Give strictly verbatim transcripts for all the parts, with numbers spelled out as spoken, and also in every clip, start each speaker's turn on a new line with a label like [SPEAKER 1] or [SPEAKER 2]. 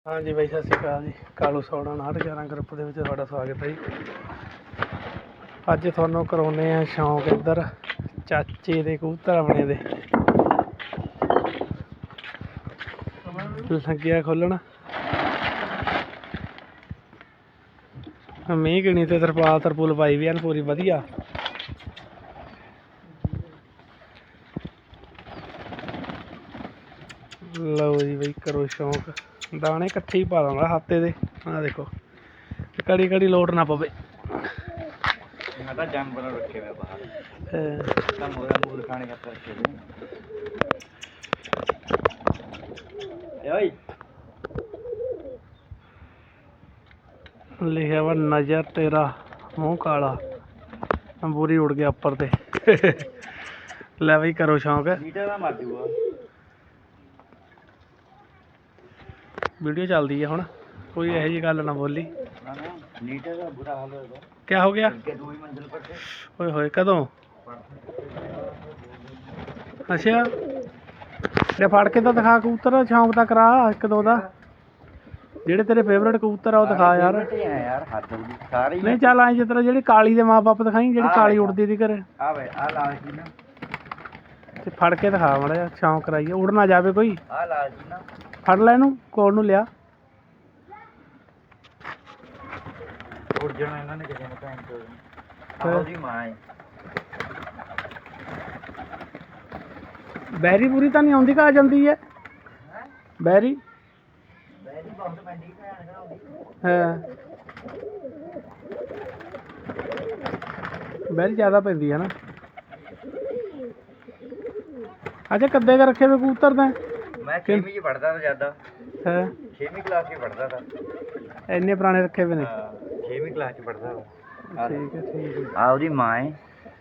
[SPEAKER 1] हाँ जी भाई सत श्री अकाल जी। कालू सौड़ा नाहठ ग्यारह ग्रुप के तुहाडा स्वागत है जी। अज तुहानूं कराउने आ शौक इधर चाचे दे कबूतर अपने दे लग्गिया खोलण मींह किनी ते तरपाल तरपूल पाई भी है पूरी वधिया। लो जी बई करो शौक दाने इकट्ठे ही पा दूंगा हफ्ते दे। आ देखो कड़ी कड़ी लोट ना पवे।
[SPEAKER 2] जानवर रखे हुए बाहर मोर खाने का रखे हुए
[SPEAKER 1] लिखा वा नजर तेरा मुँह काला पूरी उड़ गया उपर ते। लै बई करो शौक
[SPEAKER 2] मर जूगा।
[SPEAKER 1] वीडियो चलती है हुण कोई यही जी गल ना बोली।
[SPEAKER 2] बुरा हाल होगा।
[SPEAKER 1] क्या हो गया ओए होए कदों अच्छा ले फड़ के तो दिखा कबूतर शौक दा करा एक दो दा जेड़े तेरे फेवरेट कबूतर आ दिखा यार। नहीं चल आई जिस तरह जी काली दे माँ बाप दिखाई जी काली उड़ती थी घरे फड़ के दिखा माड़ा जा शौक कराइए उड़ ना जाए कोई। फड़ लै इनू कोल नू लिया
[SPEAKER 2] उड़ जाना इन्होंने किसी ने भैन चोद ओदी मां है।
[SPEAKER 1] बैरी पूरी तो नहीं आती कहा जाती है बैरी
[SPEAKER 2] बैरी बहुत पैंदी भैन कराउंदी।
[SPEAKER 1] हाँ बैरी ज़्यादा पैंदी है ना। अच्छा कद्दे का रखे हुए कबूतर ने
[SPEAKER 2] मैं छेवीं च पढ़दा था ज़्यादा।
[SPEAKER 1] है
[SPEAKER 2] छेवीं क्लास में पढ़दा था।
[SPEAKER 1] इन्ने पुराने रखे हुए ने
[SPEAKER 2] छेवीं क्लास च पढ़दा था।
[SPEAKER 1] ठीक है ठीक है।
[SPEAKER 2] आ ओदी मां है।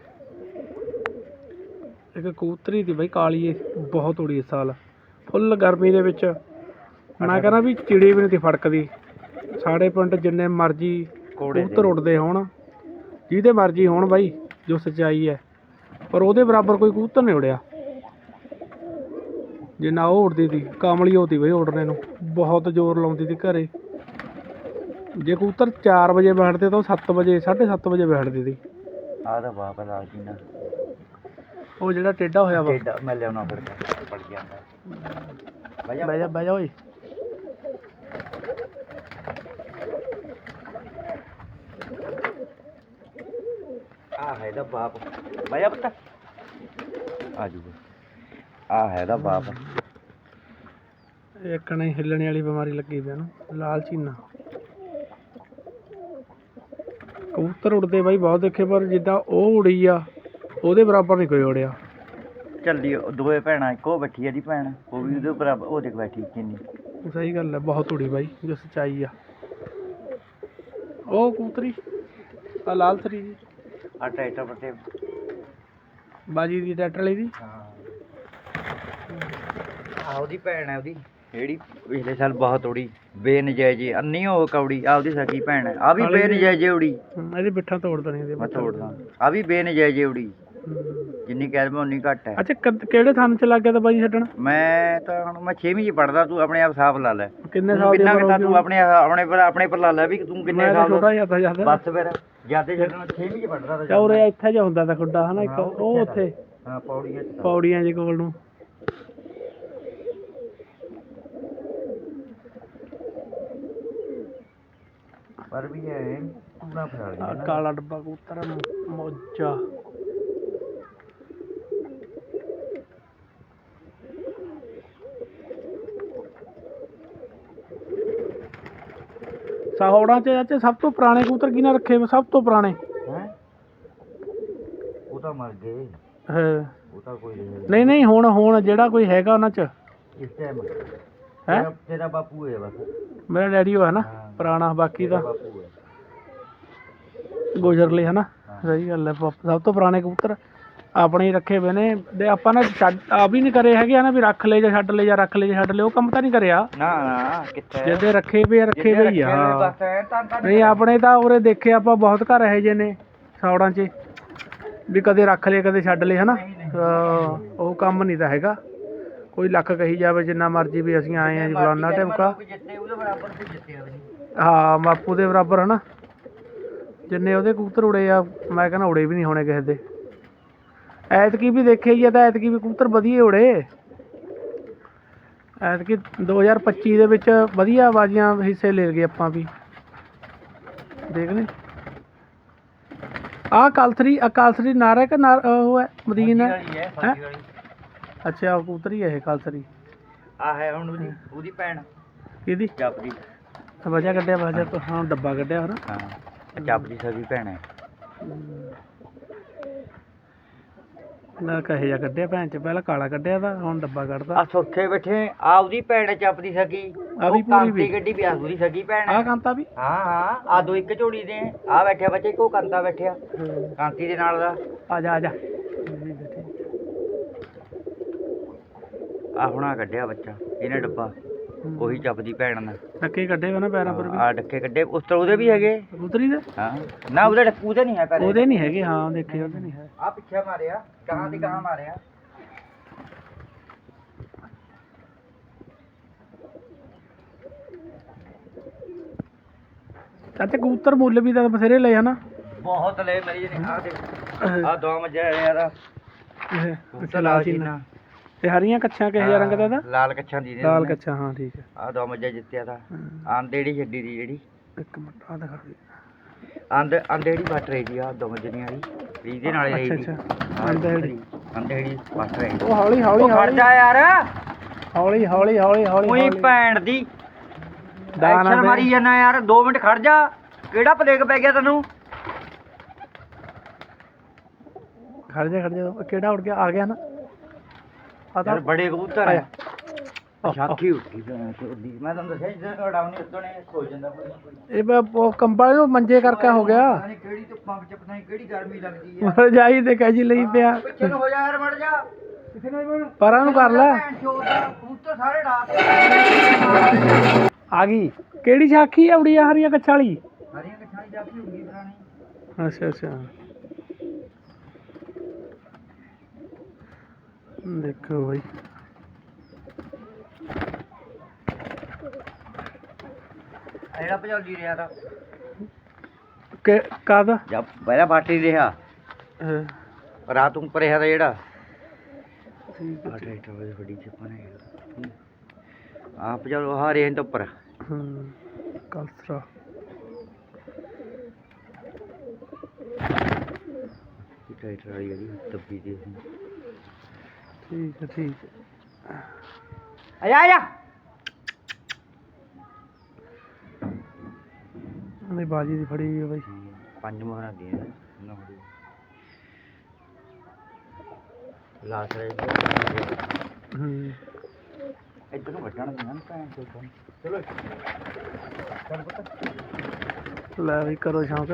[SPEAKER 1] एक कबूतरी थी बई काली बहुत उड़ी इस साल फुल गर्मी दे विच मैं कहना भी चिड़ी भी नहीं थी फड़कदी। साढ़े पिंड जिन्ने मर्जी कबूतर उड़दे होण जिहदे मर्जी होण बई जो सच्चाई है पर ਉਹਦੇ बराबर कोई कबूतर नहीं उड़िया जिन्ना ਉਹ उड़दी थी। कामली होती बई उड़ने नूं बहुत जोर लाउंदी थी घरे। जे कबूतर चार बजे बैठते तो सत्त बजे साढ़े सत्त बजे बैठती थी।
[SPEAKER 2] आदा बाप लाल जी ना
[SPEAKER 1] ਉਹ ਜਿਹੜਾ ਟੇਢਾ ਹੋਇਆ ਵਾ
[SPEAKER 2] ਟੇਢਾ ਮੈਂ ਲਿਆਉਣਾ ਫਿਰ ਪੜ ਜਾਂਦਾ।
[SPEAKER 1] ਬਹਿ ਜਾ ਬਹਿ ਜਾ ਓਏ
[SPEAKER 2] ਆ ਹੈ ਦਾ ਬਾਪ ਬਹਿ ਜਾ ਪੁੱਤ ਆ ਜੂਗਾ। ਆ ਹੈ ਦਾ ਬਾਪ
[SPEAKER 1] ਇੱਕ ਨਹੀਂ ਹਿੱਲਣੇ ਵਾਲੀ ਬਿਮਾਰੀ ਲੱਗੀ ਪਈ ਇਹਨੂੰ ਲਾਲ ਚੀਨਾ। ਕਬੂਤਰ ਉੜਦੇ ਬਾਈ ਬਹੁਤ ਦੇਖੇ ਪਰ ਜਿੱਦਾਂ ਉਹ ਉੜੀ ਆ ਉਹਦੇ ਬਰਾਬਰ ਨਹੀਂ ਕੋਈ ਉੜਿਆ।
[SPEAKER 2] ਚੱਲੀ ਦੋਵੇਂ ਭੈਣਾਂ ਇੱਕੋ ਬੈਠੀ ਆ ਦੀ ਭੈਣ ਉਹ ਵੀ ਉਹਦੇ ਬਰਾਬਰ ਉਹ ਦੇਖ ਬੈਠੀ ਕਿੰਨੀ
[SPEAKER 1] ਸਹੀ ਗੱਲ ਹੈ ਬਹੁਤ ਉੜੀ ਬਾਈ ਜੋ ਸੱਚਾਈ ਆ। ਉਹ ਕਬੂਤਰੀ ਆ ਲਾਲ ਤਰੀ ਦੀ
[SPEAKER 2] ਆ ਟਰੈਕਟਰ ਪਰ ਤੇ
[SPEAKER 1] ਬਾਜੀ ਦੀ ਟਰੈਕਟਰ ਵਾਲੀ ਦੀ
[SPEAKER 2] ਆ ਉਹਦੀ ਭੈਣ ਹੈ ਉਹਦੀ ਜਿਹੜੀ ਪਿਛਲੇ ਸਾਲ ਬਹੁਤ ਉੜੀ ਬੇਨਜਾਇਜ਼ ਅੰਨੀ ਹੋ ਕੌੜੀ ਆ ਉਹਦੀ ਸਕੀ ਭੈਣ ਹੈ ਆ ਵੀ ਬੇਨਜਾਇਜ਼ ਉੜੀ।
[SPEAKER 1] ਇਹਦੀ ਬਿੱਠਾਂ ਤੋੜ ਦੇਣੀ ਇਹਦੇ
[SPEAKER 2] ਮੈਂ ਤੋੜਦਾ ਆ ਵੀ ਬੇਨਜਾਇਜ਼ ਉੜੀ ਜਿੰਨੀ ਕਹਿ ਦਵਾਂ ਉਨੀ ਘੱਟ ਹੈ।
[SPEAKER 1] ਅੱਛਾ ਕਿਹੜੇ ਥਾਂ ਚ ਲੱਗ ਗਿਆ ਤਾਂ ਬਾਈ ਛੱਡਣ?
[SPEAKER 2] ਮੈਂ ਤਾਂ ਹੁਣ ਮੈਂ ਛੇਵੀਂ ਚ ਪੜਦਾ ਤੂੰ ਆਪਣੇ ਆਪ ਹਿਸਾਬ ਲਾ ਲੈ
[SPEAKER 1] ਕਿੰਨੇ ਸਾਲ
[SPEAKER 2] ਕਿੰਨਾ ਕਿਤਾ ਤੂੰ ਆਪਣੇ ਆਪਣੇ ਪਰ ਆਪਣੇ ਪਰ ਲਾ ਲੈ ਵੀ ਤੂੰ ਕਿੰਨੇ ਸਾਲ
[SPEAKER 1] ਛੋਟਾ ਜਿਆਦਾ ਜਿਆਦਾ
[SPEAKER 2] ਬਸ ਫਿਰ ਜਿਆਦੇ ਛੱਡਣਾ ਛੇਵੀਂ ਚ ਪੜਦਾ
[SPEAKER 1] ਤਾਂ ਉਰੇ ਇੱਥੇ ਜਿਹਾ ਹੁੰਦਾ ਤਾਂ ਖੁੱਡਾ ਹਨਾ ਇੱਕ ਉਹ ਉੱਥੇ
[SPEAKER 2] ਹਾਂ ਪੌੜੀਆਂ
[SPEAKER 1] ਪੌੜੀਆਂ ਜੇ ਕੋਲ ਨੂੰ
[SPEAKER 2] ਪਰ ਵੀ ਹੈ ਪੂਰਾ ਫੜਾ ਗਿਆ
[SPEAKER 1] ਕਾਲਾ ਡੱਬਾ ਕਬੂਤਰ ਮੋਜਾ ਸਾਹੌੜਾਂ ਚ ਚਾਚੇ ਸਭ ਤੋਂ ਪੁਰਾਣੇ ਕਬੂਤਰ ਕਿਹਨੇ ਰੱਖੇ ਸਭ ਤੋਂ ਪੁਰਾਣੇ?
[SPEAKER 2] ਹੈ ਉਹ ਤਾਂ ਮਰ ਗਏ।
[SPEAKER 1] ਹਾਂ
[SPEAKER 2] ਉਹ ਤਾਂ ਕੋਈ
[SPEAKER 1] ਨਹੀਂ ਨਹੀਂ ਹੁਣ ਹੁਣ ਜਿਹੜਾ ਕੋਈ ਹੈਗਾ ਉਹਨਾਂ ਚ
[SPEAKER 2] ਇਸ ਟਾਈਮ
[SPEAKER 1] ਹੈ
[SPEAKER 2] ਤੇਰਾ ਬਾਪੂ ਹੈ ਬਸ
[SPEAKER 1] ਮੇਰਾ ਡੈਡੀ ਉਹ ਹੈ ਨਾ ਪੁਰਾਣਾ ਬਾਕੀ ਦਾ ਗੁਜ਼ਰ ਲਏ ਹਨਾ। ਸਹੀ ਗੱਲ ਹੈ ਸਭ ਤੋਂ ਪੁਰਾਣੇ ਕਬੂਤਰ ਆਪਣੇ ਹੀ ਰੱਖੇ ਹੋਏ ਨੇ ਤੇ ਆਪਾਂ ਨਾ ਛੱਡ ਆ ਵੀ ਨਹੀਂ ਕਰੇ ਹੈਗੇ ਨਾ ਵੀ ਰੱਖ ਲੈ ਜਾਂ ਛੱਡ ਲੈ ਜਾਂ ਰੱਖ ਲੈ ਜਾਂ ਛੱਡ ਲੈ ਉਹ ਕੰਮ ਤਾਂ ਨਹੀਂ ਕਰਿਆ
[SPEAKER 2] ਨਾ ਨਾ ਕਿੱਥੇ
[SPEAKER 1] ਜਿਹਦੇ ਰੱਖੇ ਪਏ ਰੱਖੇ ਪਏ ਹੀ ਆ। ਨਹੀਂ ਆਪਣੇ ਤਾਂ ਉਰੇ ਦੇਖੇ ਆਪਾਂ ਬਹੁਤ ਘਰ ਇਹੋ ਜਿਹੇ ਨੇ ਸੌੜਾਂ 'ਚ ਵੀ ਕਦੇ ਰੱਖ ਲਏ ਕਦੇ ਛੱਡ ਲਏ ਹਨਾ ਉਹ ਕੰਮ ਨਹੀਂ ਤਾਂ ਹੈਗਾ। ਕੋਈ ਲੱਖ ਕਹੀ ਜਾਵੇ ਜਿੰਨਾ ਮਰਜ਼ੀ ਵੀ ਅਸੀਂ ਆਏ ਆ ਜੀ ਫਲਾਨਾ ਢਿਮਕਾ,
[SPEAKER 2] ਜਿੱਤੇ ਉਹਦੇ ਬਰਾਬਰ ਤੇ ਜਿੱਤਿਆ ਵੀ ਨਹੀਂ।
[SPEAKER 1] ਹਾਂ ਬਾਪੂ ਦੇ ਬਰਾਬਰ ਹਨਾ, ਜਿੰਨੇ ਉਹਦੇ ਕਬੂਤਰ ਉੜੇ ਆ ਮੈਂ ਕਹਿੰਦਾ ਉੜੇ ਵੀ ਨਹੀਂ ਹੋਣੇ ਕਿਸੇ ਦੇ। ਐਤਕੀ ਵੀ ਦੇਖਿਆ ਹੀ ਆ ਤਾਂ ਐਤਕੀ ਵੀ ਕਬੂਤਰ ਵਧੀਆ ਉੜੇ। ਐਤਕੀ ਦੋ ਹਜ਼ਾਰ ਪੱਚੀ ਦੇ ਵਿੱਚ ਵਧੀਆ ਬਾਜ਼ੀਆਂ ਹਿੱਸੇ ਲੈ ਗਏ ਆਪਾਂ ਵੀ, ਦੇਖ ਲੈ। ਆਹ ਕਲਥਰੀ ਕਲਥਰੀ ਨਾਰ ਹੈ ਕਿ ਨਾਰ ਉਹ ਹੈ ਮਦੀਨ ਹੈ? ਹੈਂ? ਅੱਛਾ ਉਹ ਕਬੂਤਰ ਹੀ ਹੈ ਇਹ ਕਲਥਰੀ।
[SPEAKER 2] ਆ ਹੈ ਹੁਣ ਉਹਦੀ ਉਹਦੀ ਭੈਣ
[SPEAKER 1] ਕਿਹਦੀ?
[SPEAKER 2] ਜਪਦੀ।
[SPEAKER 1] ਵਜਾ ਕੱਢਿਆ ਵਜਾ ਹਾਂ ਡੱਬਾ ਕੱਢਿਆ ਹਨਾ।
[SPEAKER 2] ਹਾਂ ਜਪਦੀ ਸਗੀ ਭੈਣ ਹੈ।
[SPEAKER 1] ਨਾ ਕਹੇ ਜਾ ਕੱਢਿਆ ਭੈਣ ਚ, ਪਹਿਲਾਂ ਕਾਲਾ ਕੱਢਿਆ ਤਾਂ ਹੁਣ ਡੱਬਾ ਕੱਢਦਾ।
[SPEAKER 2] ਆ ਸੌਖੇ ਬੈਠੇ ਆ ਉਹਦੀ ਭੈਣ ਜਪਦੀ ਸਗੀ।
[SPEAKER 1] ਆ ਵੀ ਪੂਰੀ ਵੀ
[SPEAKER 2] ਗੱਡੀ ਵੀ ਆ ਉਹਦੀ ਸਗੀ ਭੈਣ।
[SPEAKER 1] ਆ ਕਾਂਤਾ ਵੀ
[SPEAKER 2] ਹਾਂ ਹਾਂ ਆ ਦੋ ਇੱਕ ਝੋੜੀ ਦੇ ਆ ਬੈਠਿਆ ਬੱਚੇ ਕੋ ਕਾਂਤਾ ਬੈਠਿਆ ਕਾਂਤੀ ਦੇ ਨਾਲ ਦਾ।
[SPEAKER 1] ਆ ਜਾ ਆ ਜਾ
[SPEAKER 2] ਆ ਹੁਣਾ ਕੱਢਿਆ ਬੱਚਾ ਇਹਨੇ ਡੱਬਾ, ਉਹੀ ਜਪਦੀ ਭੈਣ ਨਾਲ।
[SPEAKER 1] ਡੱਕੇ ਕੱਢੇ ਵੇ ਨਾ ਪੈਰਾਂ ਪਰ ਵੀ।
[SPEAKER 2] ਆ ਡੱਕੇ ਕੱਢੇ ਉਸ ਤੋਂ ਉਹਦੇ ਵੀ ਹੈਗੇ
[SPEAKER 1] ਕਬੂਤਰੀ ਦੇ।
[SPEAKER 2] ਹਾਂ ਨਾ ਉਹਦੇ ਡੱਕੂ ਤੇ ਨਹੀਂ ਹੈ ਪਹਿਲੇ।
[SPEAKER 1] ਉਹਦੇ ਨਹੀਂ ਹੈਗੇ ਹਾਂ ਦੇਖੇ ਉਹਦੇ ਨਹੀਂ ਹੈ।
[SPEAKER 2] ਆ ਪਿੱਛੇ ਮਾਰਿਆ ਗਾਂ ਦੀ ਗਾਂ ਮਾਰਿਆ।
[SPEAKER 1] ਚਾਚੇ ਕਬੂਤਰ ਮੁੱਲ ਵੀ ਤਾਂ ਬਥੇਰੇ ਲਏ ਹਨਾ।
[SPEAKER 2] ਬਹੁਤ ਲਏ ਮੇਰੀ ਨੇ। ਆ ਦੇਖ ਆ ਦੋ ਮੱਝਾਂ ਯਾਰ
[SPEAKER 1] ਅੱਛਾ ਲਾਲ ਚੀਨਾ ਤੇ ਹਰੀਆਂ ਕੱਛਾਂ ਕਿਹੋ ਜਿਹਾ ਰੰਗ ਦਾ ਇਹਦਾ?
[SPEAKER 2] ਲਾਲ ਕੱਛਾਂ ਦੀ
[SPEAKER 1] ਲਾਲ ਕੱਛਾਂ ਹਾਂ ਠੀਕ ਹੈ।
[SPEAKER 2] ਆ ਦੋ ਮੱਝਾਂ ਜਿੱਤਿਆ ਤਾਂ ਆਂਦੇੜੀ ਛੱਡੀ ਦੀ ਜਿਹੜੀ।
[SPEAKER 1] ਇੱਕ ਮਿੰਟ ਆ ਦਿਖਾ ਦੇ।
[SPEAKER 2] ਆਂਦ ਆਂਦੇੜੀ ਵੱਟ ਰਹੀ ਦੀ ਆ ਦੋ ਮੱਝੀਆਂ ਦੀ ਇਹਦੇ ਨਾਲ ਰਹੀ ਦੀ।
[SPEAKER 1] ਅੱਛਾ ਆਂਦੇੜੀ
[SPEAKER 2] ਆਂਦੇੜੀ ਵੱਟ ਰਹੀ।
[SPEAKER 1] ਉਹ ਹੌਲੀ ਹੌਲੀ
[SPEAKER 2] ਖੜ ਜਾ ਯਾਰ
[SPEAKER 1] ਹੌਲੀ ਹੌਲੀ ਹੌਲੀ ਹੌਲੀ
[SPEAKER 2] ਉਹੀ ਭੈਣ ਦੀ
[SPEAKER 1] ਦਾਣਾ
[SPEAKER 2] ਐਕਸ਼ਨ ਮਾਰੀ ਜਾਣਾ ਯਾਰ। ਦੋ ਮਿੰਟ ਖੜ ਜਾ। ਕਿਹੜਾ ਪਲੇਗ ਪੈ ਗਿਆ ਤੈਨੂੰ?
[SPEAKER 1] ਖੜ ਜਾ ਖੜ ਜਾ ਕਿਹੜਾ ਉੜ ਗਿਆ ਆ ਗਿਆ ਨਾ ਆ ਤਾਂ
[SPEAKER 2] ਯਾਰ ਬੜੇ ਕਬੂਤਰ ਆ। ਸ਼ਾਖੀ ਉੱਠੀ ਦੀ ਮੈਂ ਤੁਹਾਨੂੰ ਦੱਸਿਆ ਜਦੋਂ ਉਡਾਉਣੀ ਉਦੋਂ ਨੇ ਖੋ ਜਾਂਦਾ ਕੋਈ ਨਾ ਕੋਈ।
[SPEAKER 1] ਇਹ ਬ- ਉਹ ਕੰਬਲ ਨੂੰ ਮੰਜੇ ਕਰਕੇ ਹੋ ਗਿਆ।
[SPEAKER 2] ਪਤਾ ਨੀ ਕਿਹੜੀ ਧੁੱਪਾਂ ਵਿੱਚ ਪਤਾ ਨੀ ਕਿਹੜੀ ਗਰਮੀ ਲੱਗਦੀ ਹੈ।
[SPEAKER 1] ਰਜਾਈ ਤੇ ਕਹਿ ਜੀ ਲਈ ਪਿਆ।
[SPEAKER 2] ਪਿੱਛੇ ਨੂੰ ਹੋ ਜਾ ਯਾਰ, ਮੜ ਜਾ ਕਿਸੇ ਨੂੰ
[SPEAKER 1] ਪਰਾਂ ਨੂੰ ਕਰ ਲੈ।
[SPEAKER 2] ਕਬੂਤਰ ਸਾਰੇ ਡਾਕ
[SPEAKER 1] ਆ ਗਈ ਕਿਹੜੀ ਸਾਖੀ ਆਉੜੀ ਆ ਹਰੀਆਂ ਕੱਛਾਂ ਵਾਲੀ?
[SPEAKER 2] ਹਰੀਆਂ ਕੱਛਾਂ ਦੀ ਜਾਪੀ ਹੁੰਦੀ ਪੁਰਾਣੀ।
[SPEAKER 1] ਅੱਛਾ ਅੱਛਾ ਦੇਖੋ ਬਾਈ
[SPEAKER 2] ਜਿਹੜਾ ਭਜੌਲੀ ਰਿਹਾ ਤਾਂ
[SPEAKER 1] ਕਿ ਕਦ
[SPEAKER 2] ਜਦ ਪਹਿਲਾਂ ਬਾਟੀ ਰਿਹਾ
[SPEAKER 1] ਹਾਂ,
[SPEAKER 2] ਰਾਤ ਨੂੰ ਪਰਿਆ ਦਾ ਜਿਹੜਾ
[SPEAKER 1] ਠੀਕ ਹੈ,
[SPEAKER 2] ਆ ਟਰੈਕਟਰ ਵਾਲੀ ਵੱਡੀ ਚੱਪਾ ਨੇ ਆ ਭਜੌਲ ਹਾਰੇ ਤੋਂ ਉੱਪਰ
[SPEAKER 1] ਹਾਂ ਕਲਸਰਾ
[SPEAKER 2] ਟਰੈਕਟਰ ਵਾਲੀ ਜਿਹੜੀ ਦੱਬੀ ਦੀ
[SPEAKER 1] ਠੀਕ ਹੈ ਠੀਕ ਹੈ।
[SPEAKER 2] ਆ ਜਾ ਆ ਜਾ
[SPEAKER 1] ਉਹਦੀ ਬਾਜੀ ਦੀ ਫੜੀ ਹੋਈ ਹੈ ਬਾਈ।
[SPEAKER 2] ਪੰਜ ਮੋਹਰਾਂ ਦੀਆਂ ਲਾਸ ਰੇ
[SPEAKER 1] ਹੂੰ
[SPEAKER 2] ਇੱਧਰ ਨੂੰ ਵੱਢਣ ਦੀਆਂ ਨਾ ਭੈਣ ਚੋਦ ਨੂੰ। ਚਲੋ ਚੱਲ ਪੁੱਤ
[SPEAKER 1] ਲੈ ਵੀ ਕਰੋ ਸ਼ੌਂਕ।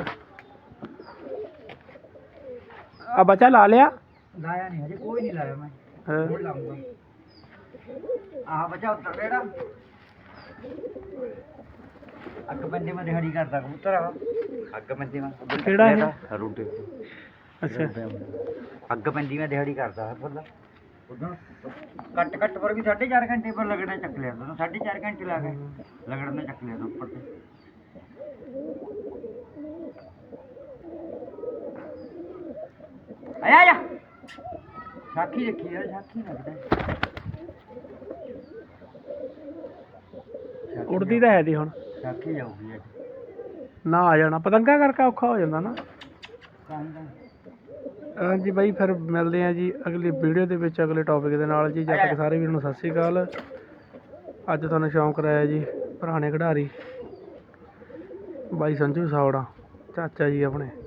[SPEAKER 1] ਆ ਬੱਚਾ ਲਾ ਲਿਆ?
[SPEAKER 2] ਲਾਇਆ ਨਹੀਂ ਹਜੇ ਕੋਈ ਨਹੀਂ ਲਾਇਆ ਮੈਂ।
[SPEAKER 1] ਹਾਂ
[SPEAKER 2] ਹੋਰ ਲਾਉਂਗਾ ਆਹ ਬੱਚਾ ਉੱਤਰ ਜਿਹੜਾ ਅੱਗ ਬੰਦੇ ਮੈਂ ਦਿਹਾੜੀ ਕਰਦਾ ਕਬੂਤਰ ਆ। ਅੱਗ ਬੰਦੇ ਮੈਂ
[SPEAKER 1] ਕਿਹੜਾ ਇਹ?
[SPEAKER 2] ਰੂਟੇ
[SPEAKER 1] ਅੱਛਾ
[SPEAKER 2] ਅੱਗ ਪੈਂਦੀ ਮੈਂ ਦਿਹਾੜੀ ਕਰਦਾ ਫੁੱਲ ਉਦੋਂ ਕੱਟ ਕੱਟ ਪਰ ਵੀ ਸਾਢੇ ਚਾਰ ਘੰਟੇ ਪਰ ਲੱਗਣਾ ਚੱਕ ਲਿਆ ਤੂੰ। ਸਾਢੇ ਚਾਰ ਘੰਟੇ ਲਾ ਕੇ ਲੱਗਣ ਨੇ ਚੱਕ ਲਿਆ ਤੂੰ ਉੱਪਰ ਤੇ। ਆਇਆ ਆਇਆ ਸਾਖੀ ਰੱਖੀ ਯਾਰ ਸਾਖੀ ਲੱਗਦਾ
[SPEAKER 1] ਉੜਦੀ ਤਾਂ ਹੈ ਦੀ ਹੁਣ
[SPEAKER 2] ਸਾਖੀ ਜਾਊਗੀ ਅੱਜ
[SPEAKER 1] ਨਾ ਆ ਜਾਣਾ ਪਤੰਗਾ ਕਰਕੇ ਔਖਾ ਹੋ ਜਾਂਦਾ ਨਾ।
[SPEAKER 2] ਤਾਂ ਹੀ ਤਾਂ
[SPEAKER 1] ਹਾਂਜੀ ਬਾਈ ਫਿਰ ਮਿਲਦੇ ਆ ਜੀ ਅਗਲੀ ਵੀਡੀਓ ਦੇ ਵਿੱਚ ਅਗਲੇ ਟੌਪਿਕ ਦੇ ਨਾਲ ਜੀ। ਜਦ ਤੱਕ ਸਾਰੇ ਵੀਰਾਂ ਨੂੰ ਸਤਿ ਸ਼੍ਰੀ ਅਕਾਲ। ਅੱਜ ਤੁਹਾਨੂੰ ਸ਼ੌਂਕ ਕਰਾਇਆ ਜੀ ਪੁਰਾਣੇ ਖਿਡਾਰੀ ਬਾਈ ਸੰਜੂ ਸਾਵੜਾ ਚਾਚਾ ਜੀ ਆਪਣੇ।